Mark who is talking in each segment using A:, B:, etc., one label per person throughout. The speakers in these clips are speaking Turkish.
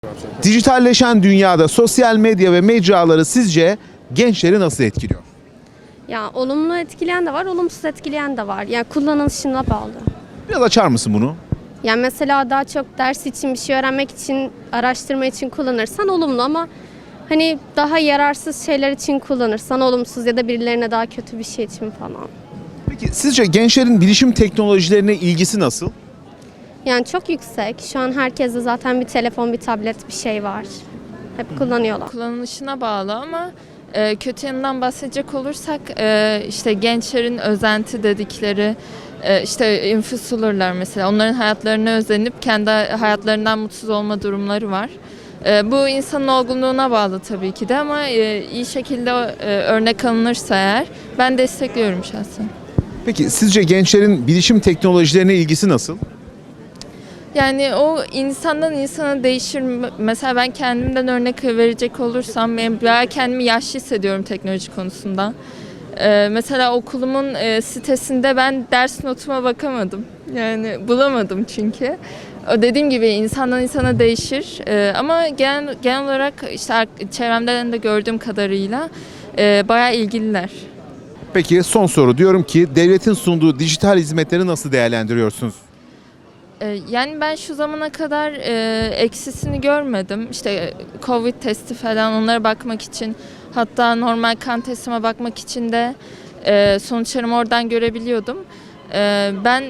A: Dijitalleşen dünyada sosyal medya ve mecraları sizce gençleri nasıl etkiliyor?
B: Ya olumlu etkileyen de var, olumsuz etkileyen de var. Yani kullanılışına bağlı.
A: Biraz açar mısın bunu?
B: Yani mesela daha çok ders için, bir şey öğrenmek için, araştırma için kullanırsan olumlu ama hani daha yararsız şeyler için kullanırsan olumsuz ya da birilerine daha kötü bir şey için falan.
A: Peki sizce gençlerin bilişim teknolojilerine ilgisi nasıl?
B: Yani çok yüksek. Şu an herkeste zaten bir telefon, bir tablet, bir şey var. Hep kullanıyorlar.
C: Kullanılışına bağlı ama kötü yanından bahsedecek olursak işte gençlerin özenti dedikleri işte influencerlar mesela onların hayatlarına özenip kendi hayatlarından mutsuz olma durumları var. Bu insanın olgunluğuna bağlı tabii ki de ama iyi şekilde örnek alınırsa eğer ben destekliyorum şahsen.
A: Peki sizce gençlerin bilişim teknolojilerine ilgisi nasıl?
C: Yani o insandan insana değişir. Mesela ben kendimden örnek verecek olursam ben bayağı kendimi yaşlı hissediyorum teknoloji konusunda. Mesela okulumun sitesinde ben ders notuma bakamadım. Yani bulamadım çünkü. O dediğim gibi insandan insana değişir. Ama genel olarak işte çevremden de gördüğüm kadarıyla bayağı ilgililer.
A: Peki son soru, diyorum ki devletin sunduğu dijital hizmetleri nasıl değerlendiriyorsunuz?
C: Yani ben şu zamana kadar eksisini görmedim. İşte Covid testi falan onlara bakmak için hatta normal kan testime bakmak için de sonuçlarımı oradan görebiliyordum. Ben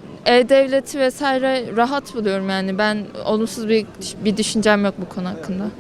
C: e-devleti vesaire rahat buluyorum yani ben olumsuz bir düşüncem yok bu konu hakkında.